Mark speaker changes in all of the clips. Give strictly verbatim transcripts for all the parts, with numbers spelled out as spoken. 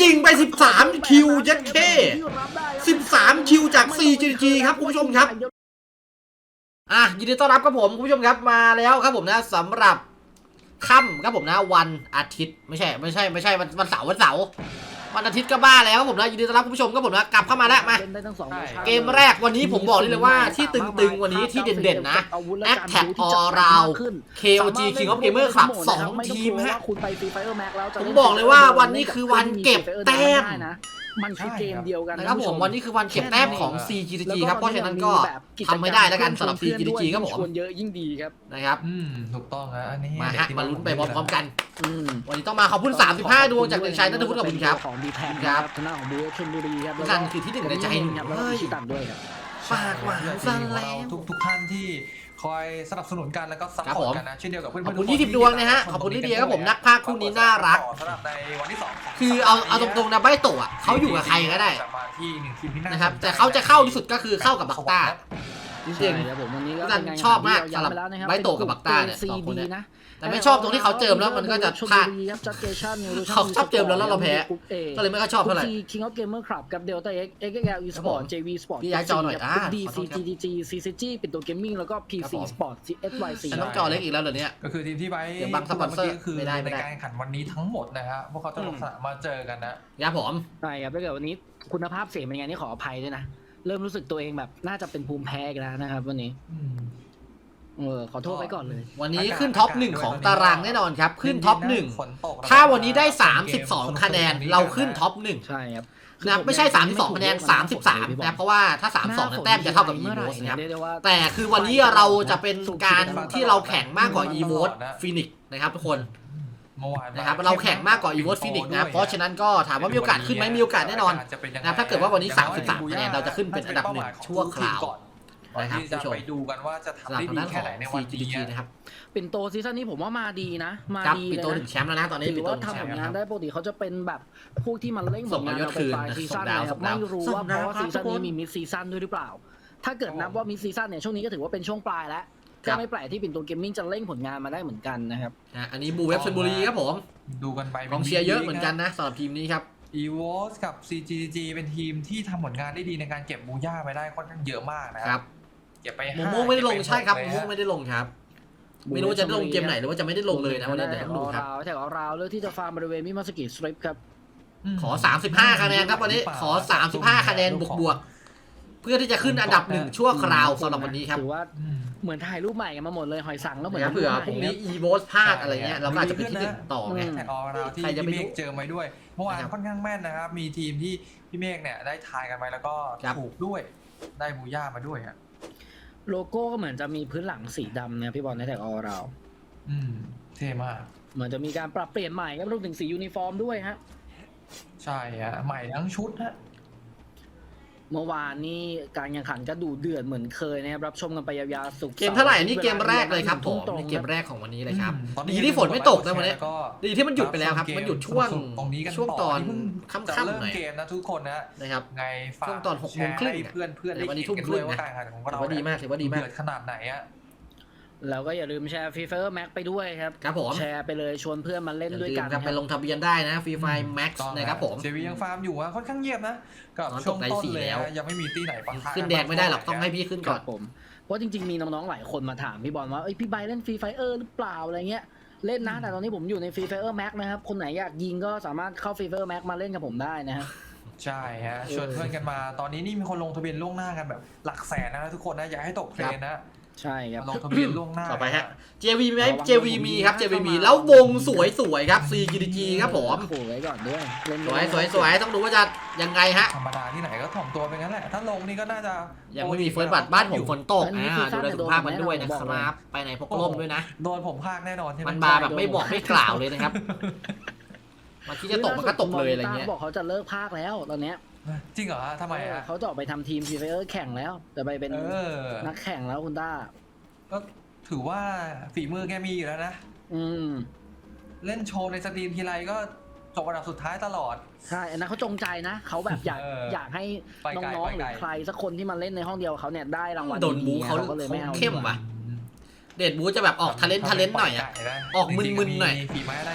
Speaker 1: ยิงไปสิบสามคิวเจ็ดเคสิบสามคิวจาก ซี จี จี ครับคุณผู้ชมครับอ่ะยินดีต้อนรับครับผมคุณผู้ชมครับมาแล้วครับผมนะสำหรับค่ำครับผมนะวันอาทิตย์ไม่ใช่ไม่ใช่ไม่ใช่วันวันเสาร์วันเสาร์วันอาทิตย์ก็บ้าแล้วครับผมนะยินดีต้อนรับคุณผู้ชมครับผมนะกลับเข้ามาแล้วมาเกมแรกวันนี้ผมบอกเลยว่าที่ตึงๆวันนี้ที่เด่นๆนะ Attack All Round เค โอ จี King of Gamer Club สองทีมฮะผมบอกเลยว่าวันนี้คือวันเก็บแต้ม
Speaker 2: มันคือเกมเดียวกัน
Speaker 1: นะครับผมวันนี้คือวันเก็บแต้มของ ซี จี จี ครับเพราะฉะนั้นก็ทำไม่ได้แล้วกันสำหรับ ซี จี จี ครับผม
Speaker 2: ชวนเยอะยิ่งดีครับ
Speaker 1: นะครับ
Speaker 3: อืมถูกต้องฮะอันนี้
Speaker 1: มาฮะมาลุ้นไปพร้อมๆกันวันนี้ต้องมาขอบคุณสามสิบห้าดวงจากเด็กชายนัทวุฒิกับคุณครับ
Speaker 2: ของดีแพนครับชนะของบูชลบุรีครับ
Speaker 1: นั่นคือที่หนึ่งในใจ
Speaker 2: เฮ้ยตัดด้วยครับ
Speaker 1: ฝากหวานซะแล้ว
Speaker 3: ทุกทุกท่านที่คอยสนับสนุนกันแล้วก็ซัพพอร์ตกันนะเช่นเดียวกับเพื่อนๆ
Speaker 1: ขอบคุณยี่สิบดวงนะฮะขอบคุณลิเดียครับผมนักพากย์คู่นี้น่ารัก
Speaker 3: สำหรับในวันที่สอง
Speaker 1: คือเอาเอาตรงๆนะใบโตะเขาอยู่กับใครก็ได้นะครับแต่เขาจะเข้าที่สุดก็คือเข้ากับบักต้าจริงๆผมวันนี้ก็ชอบมากสำหรับใบโตะกับบักต้าเนี่ยสองคนเนี่ยแต่ไม่ชอบตรงที่เขาเจิมแล้วมันก็จะพลาดเขาชอบเจิมแล้วแล้วเราแพ้ก็เลยไม่ค่อยชอบเท่าไหร่
Speaker 2: King of Gamer Club กับ Delta X เอ็กซ์ แอล Esport เจ วี Sport
Speaker 1: ย้ายจอหน่อยอ่า
Speaker 2: ดี ซี จี จี ซี ซี จี เป็นตัวเกมมิ่งแล้วก็ พี ซี Sport เอส วาย ซี
Speaker 1: ฉันต้องจอเล็กอีกแล้วเหรอเนี่ย
Speaker 3: ก็คือทีมที่ไบ
Speaker 1: บางสปอนเซอร์
Speaker 3: ก็คือในการแข่งขันวันนี้ทั้งหมดนะฮะพวกเขาจะลงสนามมาเจอกันนะ
Speaker 1: ยาผม
Speaker 2: ใช่ครับถ้าเกิดวันนี้คุณภาพเสียงเป็นไงนี่ขออภัยด้วยนะเริ่มรู้สึกตัวเองแบบน่าจะเป็นภูมิแพ้กันแล้วนะครับวันนี้เออขอโทษไว้ก่อนเลย
Speaker 1: วันนี้ขึ้นท็อปหนึ่งของตารางแน่นอนครับขึ้นท็อปหนึ่งถ้าวันนี้ได้สามสิบสองคะแนนเราขึ้นท็อปหนึ่ง
Speaker 2: ใช่ครับ
Speaker 1: นะไม่ใช่สามสิบสองคะแนนสามสิบสามนะเพราะว่าถ้าสามสิบสองแต้มจะเท่ากับอีโวสนะครับแต่คือวันนี้เราจะเป็นการที่เราแข่งมากกว่าอีโวสฟินิกนะครับทุกคนนะครับเราแข่งมากกว่าอีโวสฟินิกนะเพราะฉะนั้นก็ถามว่ามีโอกาสขึ้นไหมมีโอกาสแน่นอนนะถ้าเกิดว่าวันนี้สามสิบสามคะแนนเราจะขึ้นเป็นอันดับหนึ่งชั่วคราว
Speaker 3: นะครับจะไปดูกันว่าจะทำได้ดีแค่ไหนในวันนี้
Speaker 1: นะครับ
Speaker 2: เป็นโตซีซั่นนี้ผมว่ามาดีนะมาดี
Speaker 1: เลยนะเป็นโตถึงแชมป์แล้วนะตอนนี้
Speaker 2: ถือว่าทำผลงานได้ปกติเขาจะเป็นแบบพวกที่มันเล่นผลงานเราไปปลายซีซั่นนะครับไม่รู้ว่าเพราะว่าซีซั่นนี้มีมิดซีซั่นด้วยหรือเปล่าถ้าเกิดนับว่ามิดซีซั่นเนี่ยช่วงนี้ก็ถือว่าเป็นช่วงปลายแล้วก็ไม่แปลกที่ปิ่นโตเกมมิ่งจะเล่นผลงานมาได้เหมือนกันนะครับ
Speaker 1: อันนี้บูเวฟชลบุรีครับผม
Speaker 3: ดูกันไป
Speaker 1: กองเชียร์เยอะเหมือนกันนะสำหรับทีมนี้ครับ
Speaker 3: อีโวสกับ ซี จี จี เป็นทีมที่ทำผลงานได้ดีในการเก็บบูย่าไปได้ค่อนข้างเยอะมากนะครับเก็บไป
Speaker 1: โมโม่ไม่ได้ลงใช่ครับโมโม่ไม่ได้ลงครับไม่รู้จะได้ลงเกมไหนหรือว่าจะไม่ได้ลงเลยนะวันนี้เดี๋ยวต้องดูครับ
Speaker 2: แถวราวเลือกที่จะฟาร์มบริเวณมิมาสกิสตริปครับ
Speaker 1: ขอสามสิบห้าคะแนนครับวันนี้ขอสามสิบห้าคะแนนบวกๆเพื่อที่จะขึ้นอันดับหนึ่งชั่วคราวสำหรับวันนี้ครับ
Speaker 2: ถือว่าเหมือนถ่ายรูปใหม่กันมาหมดเลยหอยสังแล้วเหมือน
Speaker 1: เผื่อพรุ่งนี้อีโวสพลาดอะไรเงี้ยเราก็อาจจะเป็นที่หนึ่งต่อไง
Speaker 3: แต่ออเราที่พี่เมฆเจอไว้ด้วยเมื่อวานค่อนข้างแม่นนะครับมีทีมที่พี่เมฆเนี่ยได้ทายกันไปแล้วก็ถูกด้วยได้บูย่ามาด้วยฮะ
Speaker 2: โลโก้ก็เหมือนจะมีพื้นหลังสีดำเนี่ยพี่บอลในแท็กออเรา
Speaker 3: อืมเท่มาก
Speaker 2: เหมือนจะมีการปรับเปลี่ยนใหม่ครับรวมถึงสียูนิฟอร์มด้วยฮะ
Speaker 3: ใช่ฮะใหม่ทั้งชุดฮะ
Speaker 2: เมื่อวานนี้การแข่งขันก็ดูเดือดเหมือนเคยนะครับรับชมกันไปยาวๆสุก
Speaker 1: เกมเท่าไหร่นี่เกมแรกเลยครับผมนี่เกมแรกของวันนี้เลยครับดีที่ฝนไม่ตกนะวันนี้ดีที่มันหยุดไปแล้วครับมันหยุดช่วงช่วงตอนค่ำๆหน่อย
Speaker 3: เกมนะทุกคนนะ
Speaker 1: นะครับ
Speaker 3: ไง
Speaker 1: ช่วงตอนหกโมงครึ่ง
Speaker 3: เพื่อนเพื่อน
Speaker 1: วันนี้ทุ่มครึ่งนะถือว่าดีมากถือว่าดีมาก
Speaker 3: ขนาดไหนอะ
Speaker 2: แล้วก็อย่าลืมแชร์ฟรีไฟแม็กไปด้วยครับ
Speaker 1: ครับผม
Speaker 2: แชร์ไปเลยชวนเพื่อนมาเล่นด้วยกัน
Speaker 1: ไปลงทะเบียนได้นะฟรีไฟแม็กซ์นะครับผม
Speaker 3: เจวียังฟาร์มอยู่อะค่อนข้างเงียบนะกับช่วงต้นเลยยังไม่มีตีไหนปะทะ
Speaker 1: ขึ้นแดงไม่ได้หรอกต้องให้พี่ขึ้นก่อน
Speaker 2: ผมเพราะจริงๆมีน้องๆหลายคนมาถามพี่บอลว่าเอ้ยพี่ใบเล่นฟรีไฟเออร์หรือเปล่าอะไรเงี้ยเล่นนะแต่ตอนนี้ผมอยู่ในฟรีไฟเออร์แม็กนะครับคนไหนอยากยิงก็สามารถเข้าฟรีไฟเออร์แม็กมาเล่นกับผมได้นะฮะ
Speaker 3: ใช่ฮะชวนเพื่อนกันมาตอนนี้นี่มีคนลงทะเบียนล่วงหน้ากันแบบหลักแสนนะทุกคนนะอย่าให้ตกเทรนนะ
Speaker 2: ใช่ครับ
Speaker 3: ลงทะเบียนล่วงหน้า
Speaker 1: ต่อไปฮะ เจ วี มีไหม เจ วี มีครับ เจ วี มีแล้ววงสวยๆครับ ซี จี จี ครับผม
Speaker 2: โอ้ไว้ก่อนด้วย
Speaker 1: สวยสวยสวยต้องดูว่าจะยังไงฮะ
Speaker 3: ธรรมดาที่ไหนก็ถ่อมตัวไปงั้นแหละถ้าลงนี่ก็น่าจะ
Speaker 1: ยังไม่มีเฟิร์สบัตรบ้านผมฝนตกอ่าดูแลสุขภาพมันด้วยนะครับไปไหนพกร่มด้วยนะ
Speaker 3: โดนผมพากแน่นอนใช่ไหม
Speaker 1: มันมาแบบไม่บอกไม่กล่าวเลยนะครับมาที่จะตกมันก็ตกเลยอะไรเงี้ย
Speaker 2: บอกเขาจะเลิกพากแล้วตอนเนี้ย
Speaker 3: จริงเหรอทำไมอ่ะ
Speaker 2: เขาจะออกไปทำทีมฟรีไฟเออร์แข่งแล้วจะไปเป็นนักแข่งแล้วคุณต้า
Speaker 3: ก็ถือว่าฝีมือแกมีอยู่แล้วนะ
Speaker 2: อืม
Speaker 3: เล่นโชว์ในสตรีมทีไรก็จบอันดับสุดท้ายตลอด
Speaker 2: ใช่อันนั้นเขาจงใจนะเขาแบบอยากอยากให้น้องๆหรือใครสักคนที่มาเล่นในห้องเดียวเขาเนี่ยได้รางวัล
Speaker 1: โดนบูเขาก็เลยไม่เอาเข้มว่ะเดดบูจะแบบออกทะเลนทะเลนหน่อยอ่ะออกมึนๆหน่อย
Speaker 3: ฝีไม้ได้มือ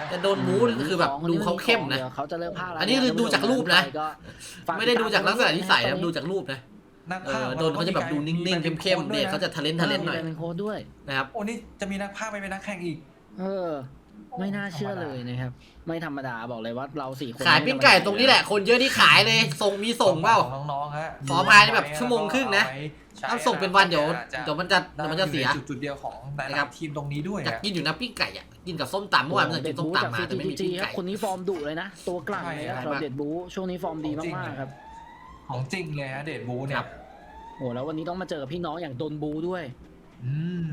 Speaker 1: แต่โดนบู๊คือแบบดูเขาเข้มนะ
Speaker 2: เขาจะเริ่มพากแล้ว
Speaker 1: อันนี้คือดูจากรูปนะ
Speaker 2: ก็ฝาก
Speaker 1: ไม่ได้ดูจากลักษณะนิสัยนะดูจากรูปนะ
Speaker 3: นัก
Speaker 1: เอ
Speaker 3: พาก
Speaker 1: อ
Speaker 3: ย์
Speaker 1: โดนเขาจะแบบดูนิ่งๆเข้มๆเนี่ยเขาจะทะเลนทะเลนหน่อย
Speaker 2: เป็นโค้ดด้วย
Speaker 1: นะครับ
Speaker 3: โอ้นี่จะมีนักพากย์ไปเป็นนักแข่งอีก
Speaker 2: เออ ไม่น่าเชื่อเลยนะครับ ไม่ธรรมดาบอกเลยว่าเราสี่คน
Speaker 1: ขายปิ้งไก่ตรงนี้แหละคนเยอะที่ขายเลยส่งมีส่งเปล่า
Speaker 3: น้องๆฮะ
Speaker 1: ขออภัยแบบชั่วโมงครึ่งนะถ้าส่งเป็นวันเดี๋ยวเดี๋ยวมันจะเดี๋ยวมันจะเสีย
Speaker 3: จุดจุดเดียวของแต่ละทีมตรงนี้ด้วย
Speaker 1: อยากกินอยู่นะปิ้งไก่อ่ะกินกับส้มตำเมื่อวานมันกินส้มตำมาแต่ไม่มีปิ้ง
Speaker 2: ครับ
Speaker 1: ไก่
Speaker 2: คนนี้ฟอร์มดุเลยนะ ตัวกลั่นเลยครับเราเด็ดบูช่วงนี้ฟอร์มดีมากๆครับ
Speaker 3: ของจริงเลยฮะเดดบูเนี่ย
Speaker 2: โอ้แล้ววันนี้ต้องมาเจอพี่น้องอย่างโดนบูด้วย
Speaker 3: อืม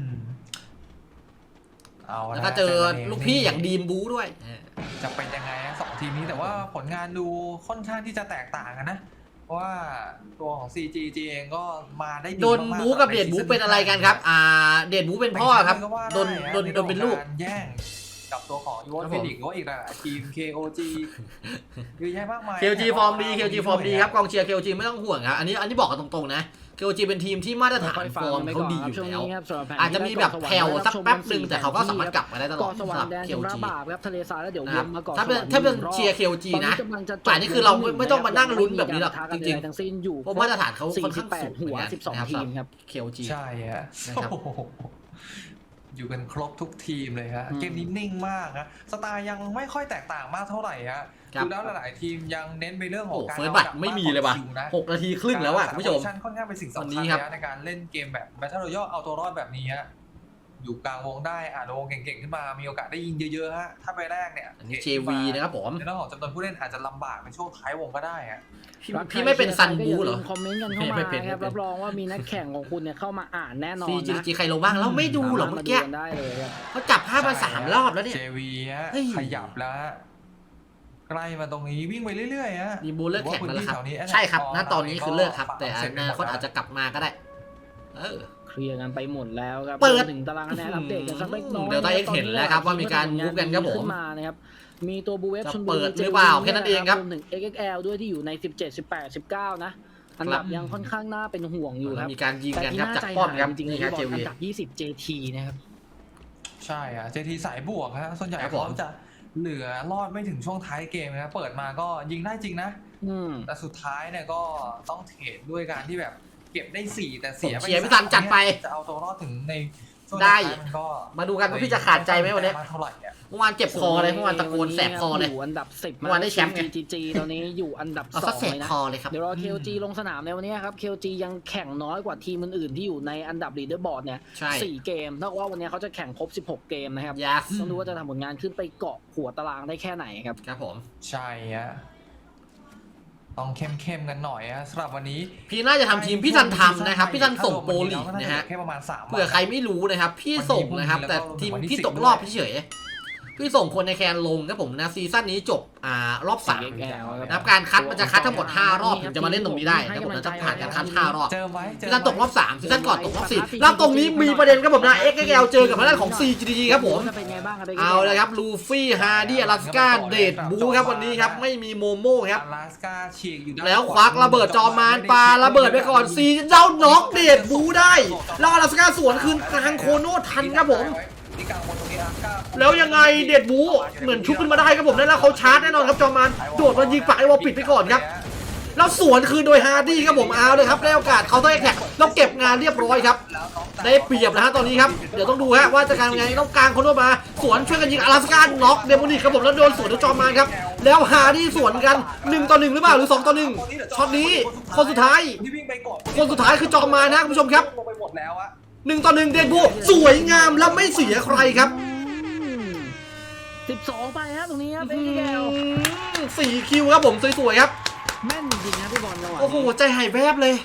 Speaker 3: เอา
Speaker 1: แล้วก็เจอลูกพี่อย่างดีมบูด้วย
Speaker 3: จะเป็นยังไงสองทีมนี้แต่ว่าผลงานดูค่อนข้างที่จะแตกต่างกันนะเพราะว่าตัวของ ซี จี จี เองก็มาได้ดี
Speaker 1: โดนบูกับเดดบูเป็นอะไรกันครับอ่าเดดบูเป็นพ่อครับโดนโดนโดนเป็นลูก
Speaker 3: แย่งกับตัวของยูวอนเฟนิกซ์ก็อีกหลายทีม เค โอ จี เยอะแยะมากมาย
Speaker 1: เค โอ จี ฟอร์มดี เค โอ จี ฟอร์มดีครับกองเชียร์ เค โอ จี ไม่ต้องห่วงครับอันนี้อันนี้บอกกันตรงๆนะ เค โอ จี เป็นทีมที่มาตรฐานฟอร์มเขาดีอยู่แล้วอาจจะมีแบบแผ่วสักแป๊บหนึ่งแต่เขาก็สามารถกลับมาได้ตลอด
Speaker 2: ส
Speaker 1: สำ
Speaker 2: วร
Speaker 1: ห
Speaker 2: ร
Speaker 1: รับ
Speaker 2: ค์แดน
Speaker 1: เค โอ
Speaker 2: ชำระ
Speaker 1: จี
Speaker 2: บาปครับทะเลทรายแล้วเดี๋ยว
Speaker 1: นะ
Speaker 2: ว
Speaker 1: ครับ
Speaker 2: นมาก่อน
Speaker 1: ถ้าเป็นถ้าเป็นเชียร์ เค โอ จี นะป่านนี้คือเราไม่ไม่ต้องมานั่งลุ้นแบบนี้หรอกจริง
Speaker 2: ๆทั้งสิ้นอยู่
Speaker 1: ๆเพราะมาตรฐานเขาค่อนข้างสูง
Speaker 2: หัวสิบสองทีมครับ
Speaker 1: เค โอ จี
Speaker 3: ใช่ฮะ
Speaker 1: นะครับ
Speaker 3: โอ้โหอยู่กันครบทุกทีมเลยฮะ
Speaker 2: อืม
Speaker 3: เกมนี้นิ่งมากฮะสไตล์ยังไม่ค่อยแตกต่างมากเท่าไหร่ฮะ
Speaker 1: ครับ
Speaker 3: ดูแล้วหลายๆทีมยังเน้นไปเรื่องข
Speaker 1: โอ้
Speaker 3: อง
Speaker 1: โห
Speaker 3: การ
Speaker 1: เฟิร์สบัตรไม่มีเลยว่ะ
Speaker 3: คิวนะ
Speaker 1: หกนาทีครึ่งแล้วอ่ะคุณผู้ชม
Speaker 3: การรักษาโพซิชั่นค่อนข้างเป็นสิ่ง
Speaker 1: วัน
Speaker 3: สำ
Speaker 1: นี้
Speaker 3: คัญ
Speaker 1: ครับ
Speaker 3: นะในการเล่นเกมแบบ Battle Royale เอาตัวรอดแบบนี้ฮะอยู่กลางวงได้อ่านวงเก่งๆขึ้นมามีโอกาสได้ยิงเยอะๆฮะถ้าไปแรกเนี่ย
Speaker 1: อันนี้ เจ วี นะครับผม
Speaker 3: ในเรื่องของจำนวนผู้เล่นอาจจะลำบากในช่วงท้ายวงก็ได้ฮะ
Speaker 1: พี่พี่ไม่เป็นซันบูเหรอ
Speaker 2: คอมเมนต์กันเข้ามา
Speaker 1: ไม่เป็น
Speaker 2: ครับ
Speaker 1: ไม่เป็น
Speaker 2: รับรองว่ามีนักแข่งของคุณเนี่ยเข้ามาอ่านแน่นอน
Speaker 1: ซี จี
Speaker 2: นะ
Speaker 1: จีใครลงบ้างเราไม่ดูหรอกเมื่อกี้
Speaker 2: สาารถาดูนได้เลยครับ
Speaker 1: เขาจับภาพมาสามรอบแล้วเนี่ย
Speaker 3: เจ วี ฮะ
Speaker 1: เฮ้ย
Speaker 3: ขยับแล้วฮะใกล้มาตรงนี้วิ่งไปเรื่อยๆฮะ
Speaker 1: ดีบูเลิกแข่งแล้วล่ะครับ
Speaker 3: หอว่าพื้นที่แถวนี้
Speaker 1: ใช่ครับณตอนนี้คือเลิกครับ
Speaker 3: ก็
Speaker 1: แต่อนาคตอาจจะกลับมาก็ได้ เออ
Speaker 2: เคลียร์กันไปหมดแล้วครับ
Speaker 1: เปิด
Speaker 2: รวมถึงตารางคะแนนอัปเดตกันสักเล็กน้อย
Speaker 1: เดี๋ยวตาเอ็กซ์เห็นแล้วครับว่ามีการมูฟกันครับผม
Speaker 2: ขึ้นมานะครับมีตัวบูเวฟ
Speaker 1: จะ
Speaker 2: ชลบุ
Speaker 1: เปิ
Speaker 2: รี
Speaker 1: ดหรือเปล่าแค่นั้นเองครับ
Speaker 2: รวมถึง เอ็กซ์ เอ็กซ์ แอล ด้วยที่อยู่ในสิบเจ็ด สิบแปด สิบเก้านะอันดับยังค่อนข้างน่าเป็นห่วงอยู่ครับ
Speaker 1: มีการยิง
Speaker 2: แต่
Speaker 1: กัน
Speaker 2: ที่
Speaker 1: ครับ
Speaker 2: น่า
Speaker 1: จาก
Speaker 2: ใจ
Speaker 1: ป้อม
Speaker 2: หาย
Speaker 1: ครับ
Speaker 2: จริงๆเลย
Speaker 1: นี่ครับ
Speaker 2: ที่บ
Speaker 1: เจ
Speaker 2: อล
Speaker 1: วี
Speaker 2: อันดับยี่สิบ เจ ที นะครับ
Speaker 3: ใช่อะ เจ ที สายบวกฮะส่วนใหญ่
Speaker 1: ครับผม
Speaker 3: เขาจะเหลือรอดไม่ถึงช่วงท้ายเกมนะเปิดมาก็ยิงได้จริงนะ
Speaker 2: อืม
Speaker 3: แต่สุดท้ายเนี่ยก็ต้องเทรดด้วยการที่แบบเก็บได้สี่แต่เสียไป
Speaker 1: ผมเชียร์พี่ตันจัดไป
Speaker 3: จะเอาตัวรอดถึงในช่วง
Speaker 1: ได้
Speaker 3: ท้ายมันก็
Speaker 1: มาดูกันว่าพี่จะขาดใจไหมวันนี้
Speaker 3: ไเท่าไหร่อะ
Speaker 1: เมื่อวานเจ็บคอเลยเมื่อวานตะโกนแสบคอเลย
Speaker 2: อยู่อันดับสิบ
Speaker 1: เมื่อวานได้แชมป์ไง
Speaker 2: จี จี ตอนนี้อยู่อันดับ
Speaker 1: เอา
Speaker 2: ส
Speaker 1: ซะ
Speaker 2: อง
Speaker 1: แสบ
Speaker 2: เลยนะ
Speaker 1: คอเลยครับ
Speaker 2: เดี๋ยวรอ เค โอ จี ลงสนามในวันนี้ครับ เค โอ จี ยังแข่งน้อยกว่าทีมอื่นๆที่อยู่ในอันดับลีดเดอร์บอร์ดเนี่ย
Speaker 1: ใช่
Speaker 2: สี่เกมเท่ากับว่าวันนี้เขาจะแข่งครบสิบหกเกมนะครับ
Speaker 1: ยัส
Speaker 2: ต้องดูว่าจะทำผลงานขึ้นไปเกาะหัวตารางได้แค่ไหนครับ
Speaker 1: ครับผม
Speaker 3: ใช่ฮะต้องเข้มๆกันหน่อยฮะสำหรับวันนี้
Speaker 1: พี่น่าจะทำทีมพี่ทันทำนะครับพี่ทันส่งโปรลีกนะฮะ
Speaker 3: แค่ประมาณสาม
Speaker 1: เผื่อใครไม่รู้นะครับ พี่ส่งนะครับ แต่ทีมพี่ตกรอบเฉยๆพี่ส่งคนในแคนลงครับผมนะซีซั่นนี้จบอ่ารอบสาม
Speaker 2: เอ็กซ์ แอล
Speaker 1: นะครับการคัดมันจะคัดทั้งหมดห้ารอบถึงจะมาเล่นตรงนี้ได้ครับผมนะต้องผ่านการคัดห้ารอบ
Speaker 3: เจอไว้เจ
Speaker 1: ซี
Speaker 3: อ
Speaker 1: ซั่น
Speaker 3: ไว้
Speaker 1: ตกรอบสามซีซั่นก่อนตกรอบสี่แล้วตรงนี้มีประเด็นครับผมนะ เอ็กซ์ แอล เจอกับทางด้านของ ซี จี จี ครับผม
Speaker 2: จะเป็นไงบ้างครับ
Speaker 1: เอาเลยครับลูฟี่ฮาร์ดี้อลาสก้าเดดบูครับวันนี้ครับไม่มีโมโม่ครับ
Speaker 3: อลาสก้าฉีกอยู่ด้าน
Speaker 1: แล้วควักระเบิดจอมานปาระเบิดไปก่อนซีเจ้าน็อกเดดบูได้แล้วอลาสก้าสวนคืนกลางโคโน่ทันครับผม
Speaker 3: ที่กลางบนตรงนี้อลาสก้า
Speaker 1: แล้วยังไงเดดบูเหมือนชุบขึ้นมาได้ครับผมแล้วเขาชาร์จแน่นอนครับจอมานโดดมายิงปากไอวอลปิดไปก่อนครับแล้วสวนคืนโดยฮาร์ดี้ครับผมเอาเลยครับได้โอกาสเขาต้องแท็กแล้วเก็บงานเรียบร้อยครับได้เปรียบนะฮะตอนนี้ครับเดี๋ยวต้องดูฮะว่าจะการยังไงต้องกลางคนโน่มาสวนช่วยกันยิงอลาสก้าน็อกเดโมนิกครับผมแล้วโดนสวนด้วยจอมานครับแล้วฮาร์ดี้สวนกันหนึ่งต่อหนึ่งหรือเปล่าหรือสองต่อหนึ่งช็อตนี้คนสุดท้าย
Speaker 3: ที่วิ่งไปก่อน
Speaker 1: คนสุดท้ายคือจอมานนะคุณผู้ชมครับ
Speaker 3: ลงไปหมดแล้วอะ
Speaker 1: หนึ่งต่อหนึ่งเดดบูสวยงามและไม่เสียใครครับ
Speaker 2: สิบสองไปฮะตรงนี้ครับ เอ็กซ์ แอล
Speaker 1: สี่คิวครับผมสวยๆครับ
Speaker 2: แม่นจริงๆนะพี่บอลจังหวะ
Speaker 1: โอ้โหใจหายแวบเลย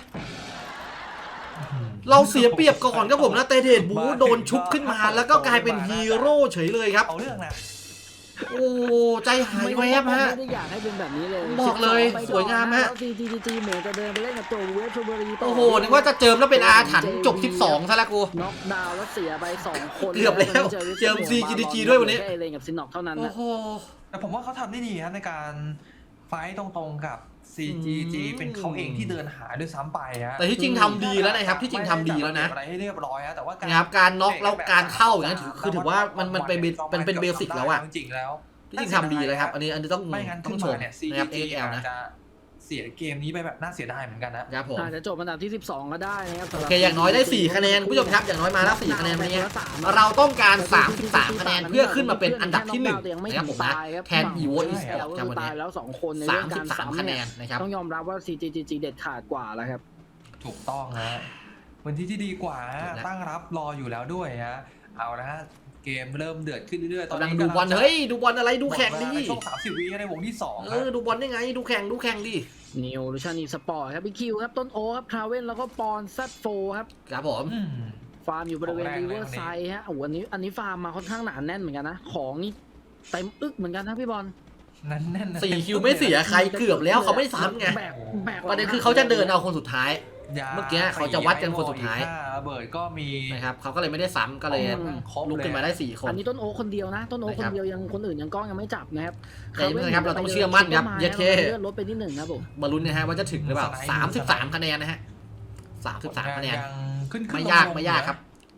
Speaker 1: เราเสียเปรียบก่อนครับผมนะเตเดดบูโดนชุบขึ้นมาแล้วก็กลายเป็นฮีโร่เฉยเลยครับ
Speaker 3: เอาเรื่องนะ
Speaker 1: โอ้ใจหายแวบฮะ
Speaker 2: ไม่ได้อยากให้เป็นแบบนี้เลย
Speaker 1: บอกเลย
Speaker 2: สิบสองไปก่อน
Speaker 1: สวยงามฮะ
Speaker 2: แล้ว ซี จี จี เหมือนจะเดินไปเล่นกับตัวเวฟชลบุรีต่
Speaker 1: โอ้โหนึกว่าจะเจิมแล้วเป็นอาถรรพ์จบสิบสองซะแล้วกู
Speaker 2: น็อกดาวน์แล้วเสียไปสองคน
Speaker 1: เกือบแล้วเจิม ซี จี จี ด้วยวันนี้
Speaker 2: แค่เลนกับซินน็อกเท่านั้น
Speaker 1: โอ้
Speaker 2: นะ
Speaker 1: โห
Speaker 3: แต่ผมว่าเขาทำได้ดีครับในการไฟต์ตรงๆกับ ซี จี จี
Speaker 1: อืม
Speaker 3: เป็นเขาเองที่เดินหาด้วยซ้ำไปฮะ
Speaker 1: แต่ที่จริงทำดีแล้วนะครับที่จริงทำดีแล้วนะ
Speaker 3: ไม่ได้จัดระเบียบอะไรให้เรียบร้อยฮะแต่ว่าการ
Speaker 1: นะครับการน็อกแล้วการเข้าอย่างนั้นถือคือถือว่ามันมันเป็นเบเป็นเป็นเบสิกแล้วอะ
Speaker 3: จริงๆแล้ว
Speaker 1: ที่จริงทำดีเลยครับอันนี้อันนี้ต้อง
Speaker 3: ไม่งั้น
Speaker 1: ต้อ
Speaker 3: ขึ้
Speaker 1: ง
Speaker 3: น
Speaker 1: ช
Speaker 3: มาม เนี่ย
Speaker 1: นะครับ
Speaker 3: ซี
Speaker 1: เอ็กแอล นะ
Speaker 3: จะเสียเกมนี้ไปแบบน่าเสียดายเหมือนกันนะครับ
Speaker 1: ผม
Speaker 2: อาจจะจบอันดับที่สิบสองก็ได้นะครับ
Speaker 1: โอเคอย่างน้อยได้สี่คะแนนคุณผู้ชมครับอย่างน้อยมาแล้วสี่คะแนนวันนี้เราต้องการสามสิบสามคะแนนเพื่อขึ้นมาเป็นอันดับที่หนึ่งนะครับผมนะแทน อี โว Esport ครับวัน
Speaker 2: ตา
Speaker 1: นี้
Speaker 2: ยแล้วสองคนใน
Speaker 1: สา
Speaker 2: เรื่อ
Speaker 1: ม
Speaker 2: ง
Speaker 1: สิ
Speaker 2: กา
Speaker 1: บ
Speaker 2: ร
Speaker 1: สาม
Speaker 2: ซ้ำ
Speaker 1: คะแน
Speaker 2: เนี่ย
Speaker 1: นนะครับ
Speaker 2: ต้องยอมรับว่า ซี จี จี เด็ดขาดกว่าแล้วครับ
Speaker 3: ถูกต้องฮะวันที่ที่ดีกว่าฮะตั้งรับรออยู่แล้วด้วยฮะเอาละฮะเกมเริ่มเดือดขึ้นเรื่อยๆตอน
Speaker 1: กำลัง
Speaker 3: นี้
Speaker 1: ดูบอลเฮ้ยดูบอลอะไรดูแข่งดิ
Speaker 3: ในช่วงสามสิบวิในวงที่สอง
Speaker 1: เออดูบอลได้ไงดูแข่งดูแข่งดิ
Speaker 2: นิวลูชานีสปอร์ตครับบิ๊กคิวครับต้นโอครับทราเวนแล้วก็ปอนซัดโฟครับ
Speaker 1: ครับผม
Speaker 3: อืม
Speaker 2: ฟาร์มอยู่บริเวณ
Speaker 3: ของแรง
Speaker 2: ริ
Speaker 3: เลย
Speaker 2: เวอร์
Speaker 3: วันนี้
Speaker 2: ไซด์ฮะโอ้โหอันนี้อันนี้ฟาร์มมาค่อนข้างหนาแน่นเหมือนกันนะของนี่เต็มอึกเหมือนกันนะพี่บอล
Speaker 3: นั่นแน่นๆ
Speaker 1: สี่คิวไม่เสียใครเกือบแล้วเขาไม่ซ้ำไง
Speaker 2: แบกแบก
Speaker 1: ประเด็นคือเขาจะเดินเอาคนสุดท้าย
Speaker 3: ยา
Speaker 1: เมื่อกี้เขาจะวัดกันคนสุดท้าย
Speaker 3: ระเบิดก็มี
Speaker 1: นะครับเขาก็เลยไม่ได้ซ้ำก็เลย
Speaker 3: ครบ
Speaker 1: ลุกขึ้นมาได้สี่คน
Speaker 2: อันนี้ต้นโอคนเดียวนะ ต้นโอ
Speaker 1: นะ
Speaker 2: ค
Speaker 1: ครั
Speaker 2: น
Speaker 1: บ
Speaker 2: เดียวยังคนอื่นยังกล้องยังไม่จับนะครับ
Speaker 1: แต่นี่นะครับเราต้องเชื่อมั่นครับเย็ดเข้
Speaker 2: เลื่อนลดไปนิดหนึ่งครับผม
Speaker 1: มาลุ้นนะฮะว่าจะถึงหรือเปล่าสามสิบสามคะแนนนะฮะสามสิบสามคะแนน
Speaker 3: ยังขึ้นขึ้น
Speaker 1: ไม่ยากไม่ยากครับ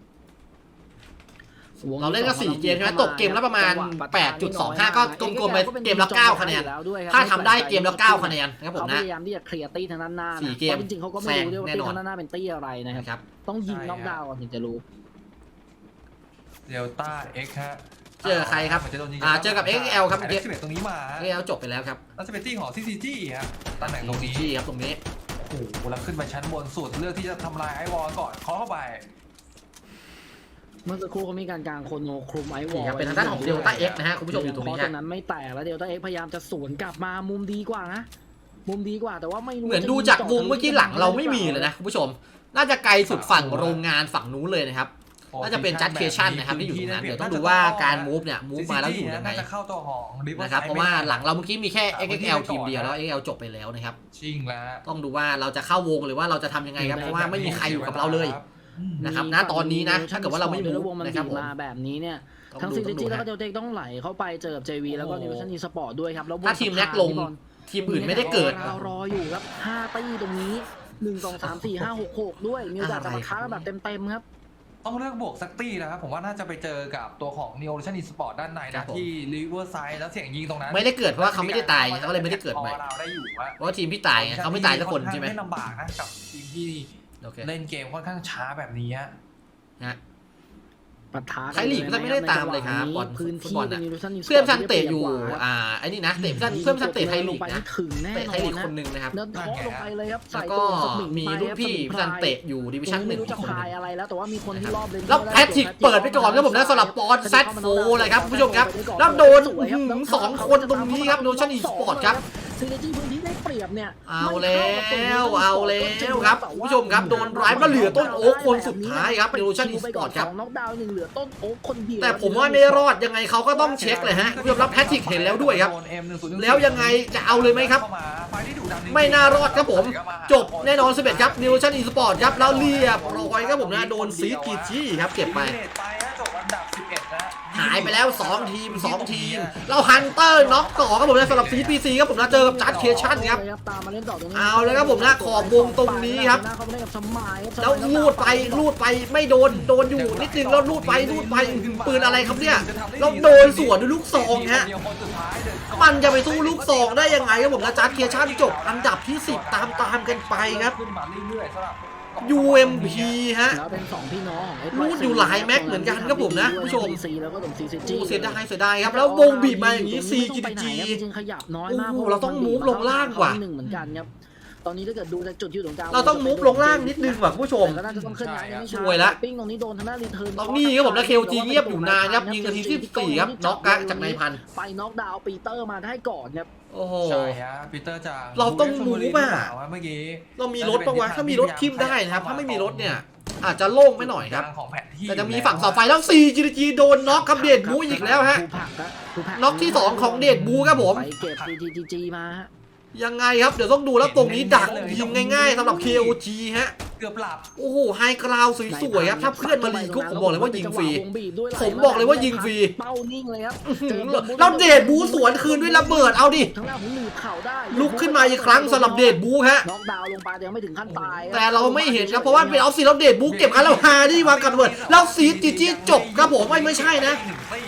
Speaker 1: เราเล่นกันสี่เกมใช่ไหมตกเกมละประมาณ แปดจุดสองห้า ก็กลมๆไปเกมละเก้าคะแนนถ้าทำได้เกมละเก้าคะแนนนะครับผม
Speaker 2: เขาพ
Speaker 1: นะ
Speaker 2: ยายามที่จะเคลียร์ตี้ทางด้านหน้านะ
Speaker 1: สี่เกม
Speaker 2: พราะจริงๆเขาก็ไม่รู้ด้วยว่า
Speaker 1: แซงแน่
Speaker 2: ตี้
Speaker 1: นอน
Speaker 2: ทางด้านหน้าเป็นตี้อะไรนะครับ
Speaker 1: นะครับ
Speaker 2: ต้องยิงน็อกดาวน์ก่อนถึงจะรู้
Speaker 3: เดลต้าเอ็กฮะ
Speaker 1: เจอใครครับ
Speaker 3: หมืนจะโดนยิง
Speaker 1: อ่าเจอกับ เอ็กซ์ แอล ครับ
Speaker 3: เอ็กซ์สิบเอ็ดตรงนี้มา
Speaker 1: เอลจบไปแล้วครับ
Speaker 3: แล้วจะเป็นตี้ของซีซีจีฮะตำแหน่งตรงนี้
Speaker 1: ที่ครับตรงนี้
Speaker 3: โอ้โหแล้วขึ้นไปชั้นบนสุดเลือกที่จะทำลายไอวอลก่อนเคาะเข้าไป
Speaker 2: เมื่อสักครู่เขามีการกางโคโนคลุมไอวอ
Speaker 1: นี่
Speaker 2: ล
Speaker 1: ครับเป็นทางด้านของเดลต้าเอ็กนะฮะคุณผู้ชมอยู่ตรงนี้
Speaker 2: เพราะ
Speaker 1: ฮะ
Speaker 2: ตรงนั้นไม่แตกแล้วเดลต้าเอ็กพยายามจะสวนกลับมามุมดีกว่านะมุมดีกว่าแต่ว่าไม่รู้
Speaker 1: เหมือนดูจากวงเมื่อกี้หลังเราไม่มีเลยนะคุณผู้ชม น่าจะไกลสุดฝั่งโรงงานฝั่งนู้นเลยนะครับ น่าจะเป็นจัดเคชั่นนะครับที่อยู่ตรงนั้นเดี๋ยวต้องดูว่าการมูฟเนี่ยมูฟมาแล้วอยู่ยังไง
Speaker 3: น่าจะเข้าตัวของ Riverside
Speaker 1: นะครับเพราะว่าหลังเราเมื่อกี้มีแค่ เอ็กซ์ แอล ทีมเดียวแล้ว เอ็กซ์ แอล จบไปแล้วนะครับ
Speaker 3: ชิงแล้ว
Speaker 1: ต้องดูว่าเราจะเข้าวงหรือว่าเราจะทำยังไงครับเพราะว่าไม่มีใครอยู่กับเราเลย นะครับณตอนนี้นะถ้าเกิดว่าเราไม่
Speaker 2: แล้ว
Speaker 1: มู
Speaker 2: วง
Speaker 1: ฟ
Speaker 2: มัน
Speaker 1: นะครับ
Speaker 2: บี
Speaker 1: ผม
Speaker 2: มาแบบนี้เนี่ย
Speaker 1: ต้อง
Speaker 2: ทั้ง
Speaker 1: ดู
Speaker 2: ซี
Speaker 1: ต้
Speaker 2: จี
Speaker 1: องดู
Speaker 2: แล้วก็
Speaker 1: นะ
Speaker 2: เดลเทคต้องไหลเข้าไปเจอกับ เจ วี แล้วก็นิวชันอีสปอร์ตด้วยครับแล้ววง
Speaker 1: ถ้าทีมแน็กลง
Speaker 2: พี่บอ
Speaker 1: ทีมอื่นไม่ได้เกิด
Speaker 2: เรารออยู่ครับห้าตี้ตรงนี้หนึ่ง สอง สาม สี่ ห้า หก หกด้วยมีโอกาสจะมาค้าแบบเต็มๆครับ
Speaker 3: ต้องเลือกบวกสักตี้นะครับผมว่าน่าจะไปเจอกับตัวของ Neo Ocean Esport ด้านใน
Speaker 1: ครั
Speaker 3: นะ
Speaker 1: บผม
Speaker 3: ที่ Riverside แล้วเสียงยิงตรงนั้น
Speaker 1: ไม่ได้เกิดเพราะว่าเขาไม่ได้ตายเขาก็เลยไม่ได้เกิดใหม่
Speaker 3: ออเราได้อยู่อะ
Speaker 1: เพราะว่าทีมพี่ตายไงเขาไม่ตายสักคนใช่ไหม
Speaker 3: ไม่ลำบากนะกับทีมที่
Speaker 1: โอเค
Speaker 3: เล่นเกมค่อนข้างช้าแบบนี้ฮะ
Speaker 1: ฮะ
Speaker 2: ปะทะ
Speaker 1: ไทยลีกก็ไม่ได้ตามเลยครับบอล
Speaker 2: พื้น
Speaker 1: ฟุต
Speaker 2: ที่
Speaker 1: บอล
Speaker 2: เป็
Speaker 1: น่ะ
Speaker 2: นนิวชันอีสปอร์ต
Speaker 1: เพื่อนชันเตะอยู่
Speaker 2: ที่ได้ปรีบกว่า
Speaker 1: อ่าไอ้นี่นะเตะเพื่อนเพื่อนชันเตะไทยลีกนะ
Speaker 2: ถึงแน่
Speaker 1: เตะ
Speaker 2: น
Speaker 1: ไท
Speaker 2: อย
Speaker 1: ลี
Speaker 2: น
Speaker 1: ก
Speaker 2: นะ
Speaker 1: คนหนึ่งนะครับ
Speaker 2: เดินเคาะลงไปเลยครับ
Speaker 1: แล้
Speaker 2: ใส่
Speaker 1: วก็
Speaker 2: ตัวสมิง
Speaker 1: มี
Speaker 2: ไป
Speaker 1: รุ่นพี่
Speaker 2: ครับ
Speaker 1: ชันเตะอยู่ดิวิชั่นหนึ่
Speaker 2: ไม่
Speaker 1: ง
Speaker 2: รู้จะ
Speaker 1: คนห
Speaker 2: พา
Speaker 1: นึ่
Speaker 2: ย
Speaker 1: ง
Speaker 2: อะไรแล้วแต่ว่ามีคนที่รอบเลน
Speaker 1: แล้วแพทริกเปิดไปก่อนครับผมนะสำหรับบอลแซดโฟเลยครับคุณผู้ชมครับแล้วโดนอื้อหือสองคนตรงนี้ครับโดนชันอีสปอร์ตครับ
Speaker 2: ซีเนจี้พื้นที่ได้เปรียบเนี่ย
Speaker 1: เอาแล้วเอาแล้วครับคุณผู้ชมครับโดนร้ายมาเหลือต้นโอ๊คคนสุดท้ายครับโดนชันอีสปอร์ตครับ
Speaker 2: สองน็อกดาวน์หนึ่งเหลือต้นโอ๊คคนเดียว
Speaker 1: แต่ผมว่าไม่รอดยังไงเขาก็ต้องเช็คเลยฮะคุณผู้ชมรับแพทริกเห็นแล้วด้วยครับ
Speaker 3: โน เอ็ม หนึ่งศูนย์หนึ่ง
Speaker 1: แล้วยังไงจะเอาเลยไหมครับ
Speaker 3: ข้าาไฟที่ดุดันจริงๆ
Speaker 1: ไม่น่ารอดครับผม จบแน่นอนสิบเอ็ดครับนิวชั่นอีสปอร์ตครับแล้วเรียบร้อยครับผมนะโดนซีดกีจี้ครับเก็บไป
Speaker 3: ไปฮะจบอันดับสิบเอ็ดนะ
Speaker 1: หายไปแล้วสองทีมสองทีมเราฮันเตอร์น็อกต่อครับผมนะสำหรับซีพีซีครับผมนะเจอกับจัดเคชั่นครับ
Speaker 2: ตามมาเล่นต่อตรงนี้
Speaker 1: เอาเลยครับผมนะขอบวงตรงนี้ครับ
Speaker 2: เขาไปเล่นกับสมัย
Speaker 1: แล้วลูดไปลูดไปไม่โดนโดนอยู่นิดนึงแล้วลูดไปลูดไปปืนอะไรครับเนี่ยแล้วโดนสวนด้วยลูกซองฮะมันจะไปสู้ลูกซองได้ยังไงครับผมนะจัดเคชั่นจบอันดับที่สิบตามตามกันไปครับ
Speaker 3: ขึ้นมาเรื่อยๆสำหรับ
Speaker 1: ยู เอ็ม พี ฮะ
Speaker 2: แล้วเป็นสองพี่น้องของ
Speaker 1: รูดอยู่หลายแม็กเหมือนกันครับผมนะผู้ชม
Speaker 2: ซีแล้วก็ตรงซีซีจี
Speaker 1: โอ้เสียดายเสียดายครับแล้ววงบีบมาอย่างนี้ ซี จี จี
Speaker 2: จริงๆขยับน้อยมาก
Speaker 1: โอ้โหเราต้องมูฟลงล่างว่ะ
Speaker 2: หนึ่งเหมือนกันครับตอนนี้ถ้าเกิดดูจากจุดที่อยู่ตรงกลาง
Speaker 1: เราต้องมูฟลงล่างนิดนึงว่ะคุณผู้ชม
Speaker 2: แต่ก็น่าจะต้องเคลื่อนย้ายกันไม่ช้า
Speaker 1: สวยละ
Speaker 2: ปิ้งตรงนี้โดนทางด้านรีเทิร์น
Speaker 1: ตรงนี้ครับผมนะ เค โอ จี เงียบอยู่นานครับยิงนาทีที่สี่ครับน็อกกะจากนายพันธุ์
Speaker 2: ไปน็อกดาวน์ปีเตอร์มาได้ก่อนครับ
Speaker 1: โอ้โห
Speaker 3: ใช่ฮะปีเตอร์จะ
Speaker 1: เราต้องมูฟอะ
Speaker 3: เมื่อกี้
Speaker 1: เรามีรถปะวะถ้ามีรถทิมได้นะครับถ้าไม่มีรถเนี่ยอาจจะโล่งไปหน่อยครับ
Speaker 3: ของแผนที่
Speaker 1: แต่จะมีฝั่งเสาไฟแล้ว ซี จี จี โดนน็อกครับเดดบูอีกแล้วฮะ
Speaker 2: ภูผักครับภูผั
Speaker 1: น็อกที่สองของเดดบูครับผม
Speaker 2: ไปเก็บ ซี จี จี มาฮะ
Speaker 1: ยังไงครับเดี๋ยวต้องดูแล้วตรงนี้ดักยิงง่ายๆสำหรับ เค โอ จี ฮะ
Speaker 3: เกือบหลับ
Speaker 1: โอ้โหไฮกราวสวยๆครับถ้าเพื่อนมาลีกุ๊กผมบอกเลยว่ายิงฟรี
Speaker 2: วงบีบด้วย
Speaker 1: ผมบอกเลยว่ายิงฟรี
Speaker 2: เป้านิ่งเลยครับ
Speaker 1: แล้วเดดบูสวนคืนด้วยระเบิดเอาดิ
Speaker 2: ทั้งหน้าของหนีบเข่าได้
Speaker 1: ลุกขึ้นมาอีกครั้งสำหรับเดดบูฮะ
Speaker 2: น็อกดาวน์ลงไปแต่ยังไม่ถึงขั้นตาย
Speaker 1: แต่เราไม่เห็นครับเพราะว่าเป็นออฟซีแล้วเดดบูเก็บกันแล้วฮาดี้วางกันระเบิดแล้วซีจีจีจบครับผมไม่ไม่ใช่นะ
Speaker 3: หนึ่งตี้ฮะแล้ว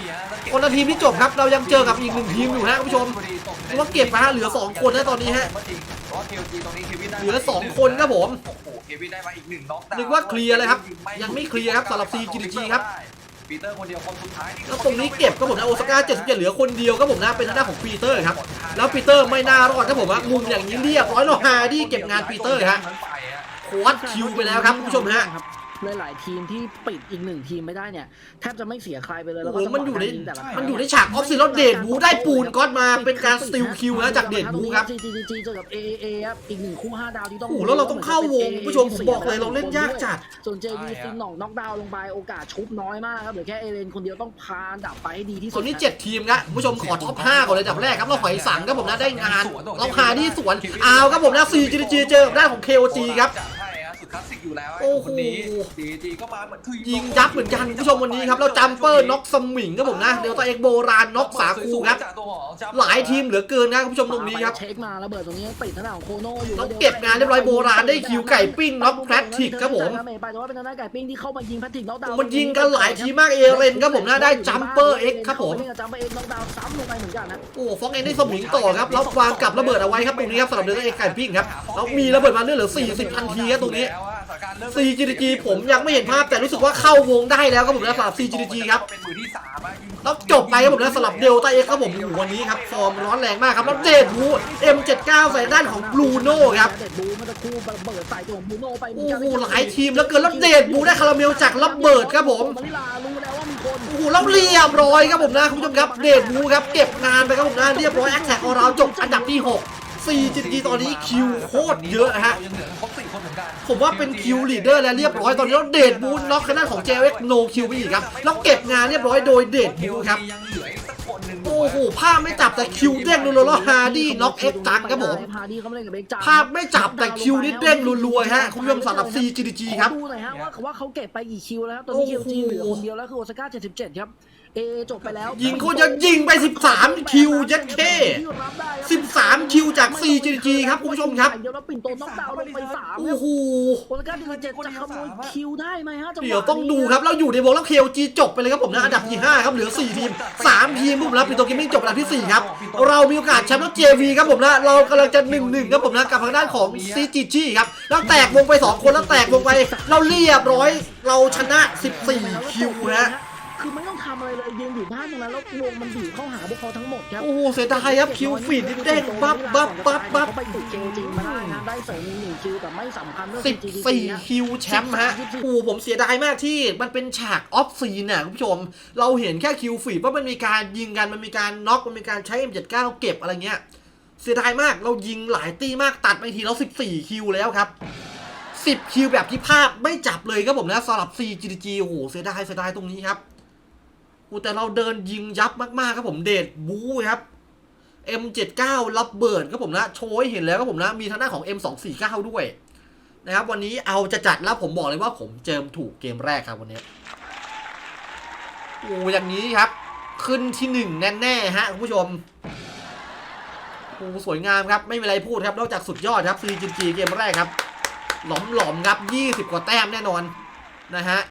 Speaker 1: คนละทีมที่จบครับเรายังเจอกับอีกหนึ่งทีมอยู่ฮะคุณผู้ชมเพราะว่าเก็บมาเหลือสองคนนะตอนนี้ฮะเหลือสองคนครับผม
Speaker 3: โอ้โหเควินได้มาอีกหนึ่งน็อกดาวน์
Speaker 1: นึกว่าเคลียร์เลยครับยังไม่เคลียร์ครับสำหรับ ซี จี ดี จี ครับ
Speaker 3: ปีเตอร์คนเดียวคนสุดท้าย
Speaker 1: แล้วตรงนี้เก็บครับผมนะโอซาก้าเจ็ดสิบเจ็ดเหลือคนเดียวครับผมนะเป็นทางด้านของปีเตอร์ครับแล้วปีเตอร์ไม่น่ารอดครับผมว่ามุมอย่างนี้เรียบร้อยแล้วฮาดี้เก็บงานปีเตอร์ฮะโค้ดคิวไปแล้วครับคุณผู้ชมฮะ
Speaker 2: หลายๆทีมที่ปิดอีกหนึ่งทีมไม่ได้เนี่ยแทบจะไม่เสียใครไปเลยแล้ว
Speaker 1: โอ้
Speaker 2: ก็
Speaker 1: โหมันอยู่ใน
Speaker 2: จังหวะการยิงแต่ละครั้ง
Speaker 1: มันอยู่ในฉากออฟซิลแล้วเดดบูได้ปูนก๊อตมาเป็นการสติลคิวนะจากเดดบูครับ
Speaker 2: จี จี จี เจอกับ เอ เอ เอ ครับอีกหนึ่งคู่ห้าดาวที่ต้อง
Speaker 1: โอ้โหแล้วเราต้องเข้าวงคุณผู้ชมผมบอกเลยเราเล่นยากจัด
Speaker 2: ส่วน เจ วี ซินหน่องน็อกดาวน์ลงไปโอกาสชุบน้อยมากครับเหลือแค่เอเลนคนเดียวต้องพาดับไปให้ดีที่สุ
Speaker 1: ต
Speaker 2: ด
Speaker 1: อนนี้เจ็ดทีมครับคุณผู้ชมขอท็อปห้าก่อนเลยอันดับแรกครับเราหอยสังครับผมนะได้งานเราหาที่สวนอ้าวครับผมนะ ซี จี ดี จี เจอกับด้านของ เค โอ จี ครับ
Speaker 3: สุดคลาสสิกอยู่แล้ว
Speaker 1: โอ้โห
Speaker 3: คนนี้ ซี จี ก็มาเหมือนคือ
Speaker 1: ยิงยับเหมือนกันคุณผู้ชมวันนี้ครับแล้วจัมเปอร์น็อกสมิงครับผมนะเดลต้าเอ็กโบราณน็อกสาคูครับหลายทีมเหลือเกินนะคุณผู้ชมตรงนี้ครับ
Speaker 2: เช็คมาระเบิดตรงนี้ติดทางด้านของโคโน่อยู่
Speaker 1: ต้องเก็บงานเรียบร้อยโบราณได้คิวไก่ปิ้งน็อกแพทริกครับผม
Speaker 2: ไปแต่ว่าเป็นทางด้านไก่ปิ้งที่เข้ามายิงแพทริกน็อกดาวน์
Speaker 1: มันยิงกันหลายทีมากเอเรนครับผมนะได้จัมเปอร์เอ็กครับผม
Speaker 2: จัมเปอร์เอ็กน็อกดาวน์ซ้ำลงไปเหมือนกันนะ
Speaker 1: โอ้ฟ็อกเองได้สมิงต่อครับแล้ววางกับระเบิดเอาไว้ครับตรงนี้ครับสำหรับเดลต้าเอ็กไก่ปิ้งครับแล้วมีระเบิดมาเรื่อยเหลือสี่สิบทันทีครับตรงนี้ ซี จี ดี จี ผมยังไม่เห็นภาพแต่รู้สึกว่าเข้าวงได้แล้วครับผมนะสำหรับ ซี จี ดี จี ครับ
Speaker 3: เป็นมือที่สามอะยิง
Speaker 1: แล้วจบไปครับผมนะสำหรับเดลต้าเอ็กครับผมโอ้โหวันนี้ครับฟอร์มร้อนแรงมากครับแล้วเดดบู เอ็ม เจ็ดสิบเก้า ใส่ด้านของบลูโน่ครับ
Speaker 2: เดดบูมันจะคู่ระเบิดใส่ตัวของบลูโน่ไป
Speaker 1: โอ้โหหลายทีมแล้วเกินแล้วเดดบูได้คาราเมลจากระเบิดครับผม
Speaker 2: มาริลารู้แล้วว่ามีคน
Speaker 1: โอ้โหแล้วเรียบร้อยครับผมนะคุณผู้ชมครับเดดบูครับเก็บงานไปครับผมนะเรียบร้อยแอคแท็กของเราจบอันดับที่หก ซี จี ดี จี ตอนนี้คิวโคตรเยอะฮะ
Speaker 3: ยังเหลือครบสี่คนเหมือนกัน
Speaker 1: ผมว่าเป็นคิวลีดเดอร์แล้วเรียบร้อยตอนนี้แล้วเดดบูน็อกคณะของ เจ เอ็ก โนคิวไปอีกครับแล้วเก็บงานเรียบร้อยโดยเดดบูครับ
Speaker 3: ยังเหลืออีกสักคนหนึ่ง
Speaker 1: โอ้โหภาพไม่จับแต่คิวเด้งรัวๆแล้วฮาร์ดี้น็อกเอ็กจังครับผม
Speaker 2: ฮาร์ดี้เขาไม่เล่นกับเอ็กจัง
Speaker 1: ภาพไม่จับแต่คิวนี่เด้งรัวๆฮะคุณผู้ชมสำหรับ ซี จี ดี จี ครับ
Speaker 2: ดูหน่อยฮะว่าว่าเขาเก็บไปกี่คิวแล้วครับตอนนี้คิวจีเหลือคนเดียวแล้วคือโอซาก้าเจ็ดสิบเจ็ดครับเอจบไปแล้ว
Speaker 1: ยิงโคตรจะยิงไปสิบสามคิวยัดเคสิบสามคิวจาก ซี จี ดี จี ครับคุณผู้ชมครับ
Speaker 2: เดี๋ยวเราปิ่นโตน็อกดาวน์ลงไปสาม
Speaker 1: โอ้โห
Speaker 2: โอซาก้าเจ็ดสิบเจ็ดจะขโมยคิวได้ไหมฮะจังหวะนี้
Speaker 1: เดี๋ยวต้องดูครับเราอยู่ในวงแล้ว เค โอ จี จบไปเลยครับผมนะอันดับที่ห้าครับเหลือสี่ทีมสามทีมผมแล้วปิโตเกมมิ่งจบอันดับที่สี่ครับเรามีโอกาสแชมป์แล้ว เจ วี ครับผมนะเรากำลังจะ หนึ่งหนึ่ง ครับผมนะกับทางด้านของ ซี จี จี ครับแล้วแตกวงไปสองคนแล้วแตกวงไปเราเรียบร้อยเราชนะสิบสี่คิวฮะ
Speaker 2: คือไม่ต้องทำอะไรเลยยืนอยู่บ้านตรงนั้นแล้ววงมันบีบเข้าหาพวกเขาทั้งหมดครับ
Speaker 1: โอ้โหเสียดายครับคิวฟีดนี่เด้งปั๊บปั๊บปั๊บปั๊บ
Speaker 2: เขาไปติดเจจริงมาได้นะได้เสริมอีกหนึ่งคิวแต่ไม่สำคัญเรื่อง
Speaker 1: สิบ
Speaker 2: ซี จี ดี
Speaker 1: สี่
Speaker 2: นะ
Speaker 1: คิวแชมป์ฮะโอ้โหผมเสียดายมากที่มันเป็นฉากออฟซีนน่ะคุณผู้ชม เราเห็นแค่คิวฟีดว่ามันมีการยิงกันมันมีการน็อกมันมีการใช้ เอ็ม เจ็ดสิบเก้า เก็บอะไรเงี้ยเสียดายมากเรายิงหลายตีมากตัดไปทีแล้วสิบสี่คิวแล้วครับสิบคิวแบบที่ภาพไม่จับเลยครับผมนะสำหรับ ซี จี ดี จี โอ้โหเสียดายเสียดายตรงนี้ครับโอ้แต่เราเดินยิงยับมากๆครับผมเดดบู๊ครับ เอ็ม เจ็ดสิบเก้า รับเบิร์ดครับผมนะโชว์ให้เห็นแล้วครับผมนะมีทางด้านของ เอ็ม สองสี่เก้า ด้วยนะครับวันนี้เอาจะจัดแล้วผมบอกเลยว่าผมเจิมถูกเกมแรกครับวันนี้โอ้อย่างนี้ครับขึ้นที่หนึ่งแน่ๆฮะคุณผู้ชมโอ้สวยงามครับไม่มีอะไรพูดครับนอกจากสุดยอดครับ ซี จี จี เกมแรกครับหลอมๆครับยี่สิบกว่าแต้มแน่นอนนะฮะ